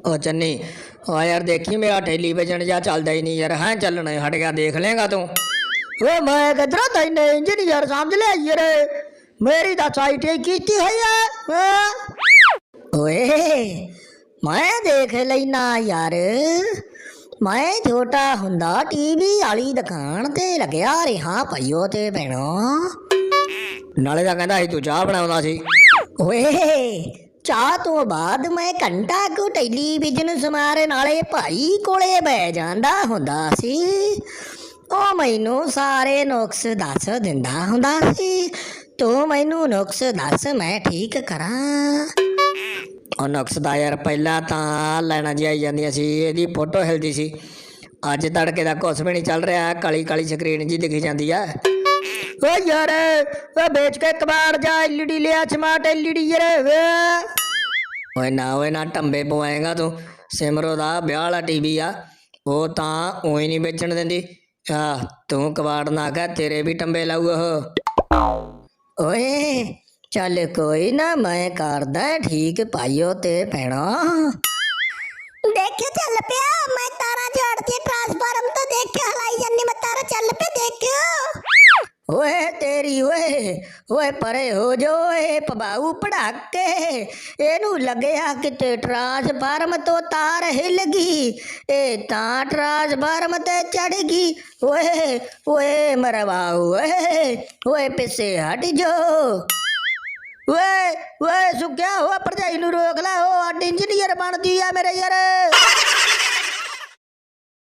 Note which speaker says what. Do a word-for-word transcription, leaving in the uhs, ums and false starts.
Speaker 1: ओ चन्नी हाँ यार देखी मेरा टेलीविजन जा चलता ही नहीं यार हैं चलना हट गया देख लेगा तू।
Speaker 2: वे मैं किधर तैने इंजीनियर समझ ले यार मेरी तो साइट की है यार। ओए मैं देख लेना यार मैं छोटा हुंदा टीवी वाली दुकान ते लग्या रहा पईओ ते भैणो
Speaker 1: नाले दा कहंदा ਸੀ ਤੂੰ ਚਾਹ ਬਣਾਉਂਦਾ ਸੀ।
Speaker 2: ਓਏ ਚਾਹ ਤੋਂ ਬਾਅਦ ਮੈਂ ਘੰਟਾ ਕੁ ਟੈਲੀਵਿਜ਼ਨ ਸਮਾਰੇ ਨਾਲੇ ਭਾਈ ਕੋਲੇ ਬਹਿ ਜਾਂਦਾ ਹੁੰਦਾ ਸੀ। ਉਹ ਮੈਨੂੰ ਸਾਰੇ ਨੁਕਸ ਦੱਸ ਦਿੰਦਾ ਹੁੰਦਾ ਸੀ। ਤੂੰ ਮੈਨੂੰ ਨੁਕਸ ਦੱਸ ਮੈਂ ਠੀਕ ਕਰਾਂ।
Speaker 1: ਉਹ ਨੁਕਸ ਦਾ ਯਾਰ ਪਹਿਲਾਂ ਤਾਂ ਲੈਣਾ ਜੀ ਆਈ ਜਾਂਦੀਆਂ ਸੀ ਇਹਦੀ ਫੋਟੋ ਹਿਲਦੀ ਸੀ। ਅੱਜ ਤੜਕੇ ਦਾ ਕੁਛ ਵੀ ਨਹੀਂ ਚੱਲ ਰਿਹਾ ਕਾਲੀ ਕਾਲੀ ਸਕਰੀਨ ਜੀ ਦਿਖੀ ਜਾਂਦੀ ਆ।
Speaker 2: ਓ ਯਾਰ ਓ ਵੇਚ ਕੇ ਕਬਾੜ ਜਾ ਐਲਈਡੀ ਲਿਆ ਸਮਾਰਟ ਐਲਈਡੀ ਯਾਰ ਵੇ।
Speaker 1: ਓਏ ਨਾ ਓਏ ਨਾ ਟੰਬੇ ਪਵਾਏਗਾ ਤੂੰ। ਸਿਮਰੋ ਦਾ ਵਿਆਹ ਵਾਲਾ ਟੀਵੀ ਆ ਉਹ ਤਾਂ ਉਹੀ ਨਹੀਂ ਵੇਚਣ ਦਿੰਦੀ। ਆ ਤੂੰ ਕਬਾੜ ਨਾ ਕਹਿ ਤੇਰੇ ਵੀ ਟੰਬੇ ਲਾਊ ਉਹ।
Speaker 2: ਓਏ ਚੱਲ ਕੋਈ ਨਾ ਮੈਂ ਕਰਦਾ ਠੀਕ ਪਾਈਓ ਤੇ ਭੈਣਾ। ਦੇਖਿਓ ਚੱਲ ਪਿਆ ਮੈਂ ਤਾਰਾਂ ਝਾੜਦੀ ਟ੍ਰਾਂਸਫਾਰਮ ਤੋਂ ਦੇਖਿਆ ਹਲਾਈ ਜਾਂਦੀ ਮੈਂ ਤਾਰਾ ਚੱਲ ਪਿਆ ਦੇਖਿਓ। ਓਏ ਤੇਰੀ ਓਏ ਓਏ ਪਰੇ ਹੋ ਜੋ ਏ ਪਬਾਊ ਪੜਾਕੇ ਇਹਨੂੰ ਲੱਗਿਆ ਕਿਤੇ ਟ੍ਰਾਂਸਫਾਰਮ ਤੋਂ ਤਾਰ ਹਿੱਲ ਗਈ ਇਹ ਤਾਂ ਟ੍ਰਾਂਸਫਾਰਮ ਤੇ ਚੜ ਗਈ। ਓਏ ਓਏ ਮਰਵਾਊ ਓਏ ਓਏ ਪਿੱਛੇ ਹਟ ਜੋ। ਓਏ ਓਏ ਸੁੱਕਿਆ ਹੋਇਆ ਭਰਜਾਈ ਨੂੰ ਰੋਕ ਲੈ ਉਹ ਅੱਡ ਇੰਜੀਨੀਅਰ ਬਣਦੀ ਆ ਮੇਰੇ ਯਾਰ।